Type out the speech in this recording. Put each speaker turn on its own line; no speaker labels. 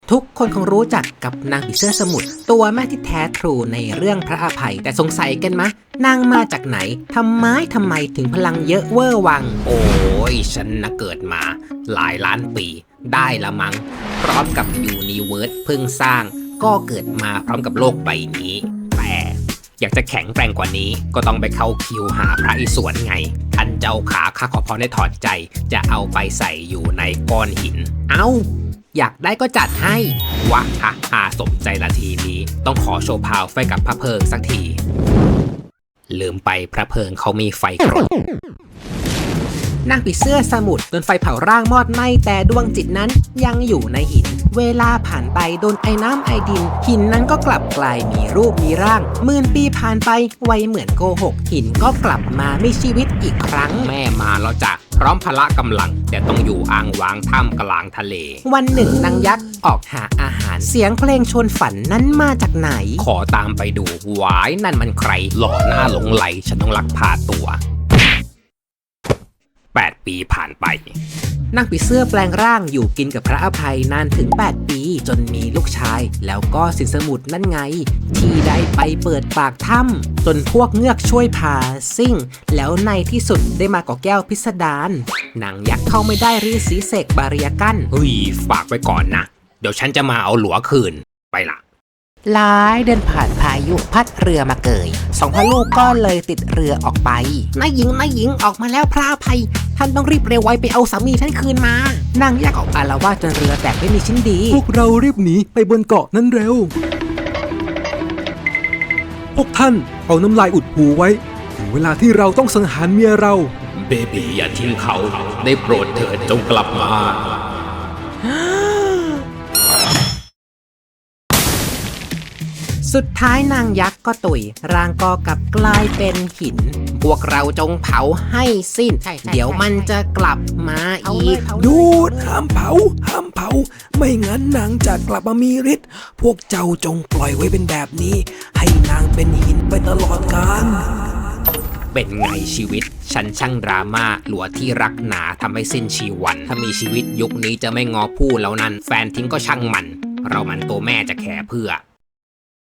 ทุกคนคงรู้จักกับนางผีเสื้อสมุทรตัวแม่ที่แท้ทรูในเรื่องพระอภัยแต่สงสัยกันมะนางมาจากไหนทำไมถึงพลังเยอะเวอร์วังโอ้ยฉันนะเกิดมาหลายล้านปีได้ละมั้งพร้อมกับยูนิเวิร์สเพิ่งสร้างก็เกิดมาพร้อมกับโลกใบนี้แต่อยากจะแข็งแกร่งกว่านี้ก็ต้องไปเข้าคิวหาพระอิศวรไงท่านเจ้าขาข้าขอพรได้ถอดใจจะเอาไปใส่อยู่ในก้อนหินอยากได้ก็จัดให้วะฮาสมใจละทีนี้ต้องขอโชว์พาวไฟกับพระเพิงสักทีลืมไปพระเพิงเขามีไฟกรดนางผีเสื้อสมุทรโดนไฟเผาร่างมอดไหม้แต่ดวงจิตนั้นยังอยู่ในหินเวลาผ่านไปโดนไอ้น้ำไอดินหินนั้นก็กลับกลายมีรูปมีร่างหมื่นปีผ่านไปไวเหมือนโกหกหินก็กลับมามีชีวิตอีกครั้งแม่มาแล้วจ้ะพร้อมพละกำลังแต่ต้องอยู่อ่างวางท่ามกลางทะเลวันหนึ่งนางยักษ์ออกหาอาหารเสียงเพลงชวนฝันนั้นมาจากไหนขอตามไปดูวายนั่นมันใครหล่อหน้าหลงไหลฉันต้องลักพาตัว8 ปีผ่านไปนางผีเสื้อแปลงร่างอยู่กินกับพระอภัยนานถึง8 ปีจนมีลูกชายแล้วก็สินสมุทรนั่นไงที่ได้ไปเปิดปากถ้ำจนพวกเงือกช่วยพาซิ่งแล้วในที่สุดได้มาก่อแก้วพิสดารนางยักษ์เข้าไม่ได้ฤาษีเสกบาเรียกั้นเฮ้ยฝากไว้ก่อนนะเดี๋ยวฉันจะมาเอาหลัวคืนไปละหลายเดินผ่านพายุพัดเรือมาเกยสองพ่อลูกก็เลยติดเรือออกไปนายหญิงออกมาแล้วพระอภัยท่านต้องรีบเร็วไวไปเอาสามีท่านคืนมานางยักษ์ออกอาละวาดจนเรือแตกไม่มีชิ้นดี
พวกเรารีบหนีไปบนเกาะนั้นเร็วพวกท่านเอาน้ำลายอุดหูไว้ถึงเวลาที่เราต้องสังหารเมียเรา
เบบีอย่าทิ้งเขาได้โปรดเถิดจงกลับมา
สุดท้ายนางยักษ์ก็ตุยร่างก็กลับกลายเป็นหินพวกเราจงเผาให้สิ้นเดี๋ยวมันจะกลับมาอีก
หยุดห้ามเผาไม่งั้นนางจะกลับมามีฤทธิ์พวกเจ้าจงปล่อยไว้เป็นแบบนี้ให้นางเป็นหินไปตลอดกาล
เป็นไงชีวิตฉันช่างดราม่าหลัวที่รักหนาทำให้สิ้นชีวันถ้ามีชีวิตยุคนี้จะไม่งอผู้แล้วนั้นแฟนทิ้งก็ช่างมันเรามันตัวแม่จะแคร์เพื่อ